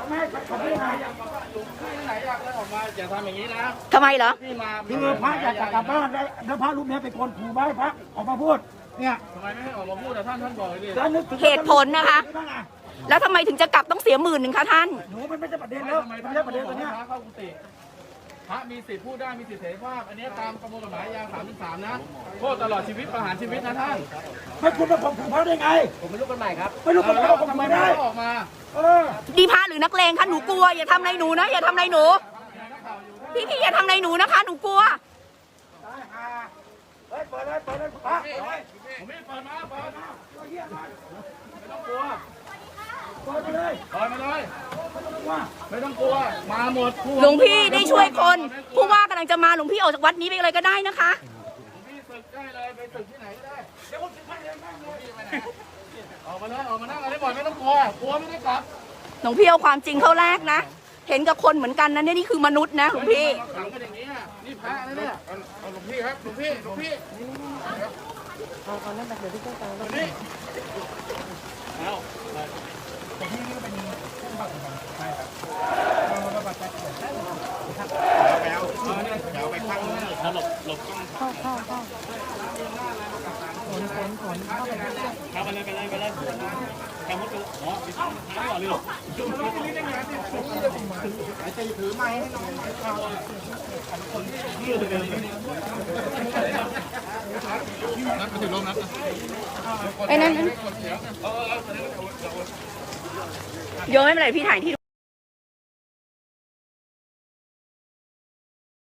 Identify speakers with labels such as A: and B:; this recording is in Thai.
A: ไม่เขาไม่มา
B: ที่ไหนอยากเดินออกมาอย่าทำอย่างนี้นะ
C: ทำไมเหรอ
B: ที่มา
A: คือพระอยากจะกลับบ้านแล้วพระรูปนี้เป็นคนขู่ไว้พระออกมาพูดเนี่ย
B: ทำไมไม่ให้ออกมาพูดแต่ท่านบอกเลยดิ
A: แล้วนึกถึง
C: เหตุผลนะคะ แล้วทำไมถึงจะกลับต้องเสีย10,000คะท่าน
A: หนูมันไม่ใช่ประเด็นแล้ว
B: ทำไม
A: ไม่ใช่ประเด็นตัวเนี้ย
B: พระเข้ากุฏิพระมีสิทธิ์พูดได้มีสิทธิเสรีภาพอันนี้ตามประมวลกฎหมายยา33นะโทษตลอดชีวิตประหารชีวิตนะท่าน
A: ไม่คุณมาข่มขู่พระได้ไง
B: ผมไม่รู้กันใหม่ครับ
A: ไม่รู้คนเขาข่ม
B: ทำไม
A: ขู่
B: ไม่
A: ได้
B: ออกมา
C: ดีพระหรือนักเลงคะหนูกลัวอย่าทำอะไรหนูนะอย่าทำอะไรหนูพี่อย่าทำอะไรหนูนะคะหนูกลัว
A: เฮ้ยเปิดเลยพระ
B: ผมไม่เปิดมาเปิดมาไม่ต้องกลัว
A: เปิดเลย
B: เปิดมาเลย
A: ว่า
B: ไม่ต้องกลัวมาหมด
C: หลวงพี่ได้ช่วยคนผู้ว่ากำลังจะมาหลวงพี่ออกจากวัดนี้ไปเลยก็ได้นะคะ
B: หลวงพี่ศึกได้เลยไปศึกที่ไหนก็ได้เดี๋ยวผมศึกให้เลยแม่งหลวงพี่ไปไหนออกมาเลยออกมานั่งอะไรบ่อยไม่ต้องกลัวกลัวไม่ได้กลับ
C: หลวงพี่เอาความจริงเข้าแรกนะ เห็นกับคนเหมือนกันนะเนี่ยนี่คือมนุษย์นะหลวงพี่
B: มาขังกันอย่างนี้นี่พระนะเนี่ยเอาหลวงพี่ครับหลวงพี่เอานั่นไปเดี๋ยวพี่เจ้าตานี่เอา
C: ไอ้นั่นโยนไม่เป็นไรพี่ถ่ายที่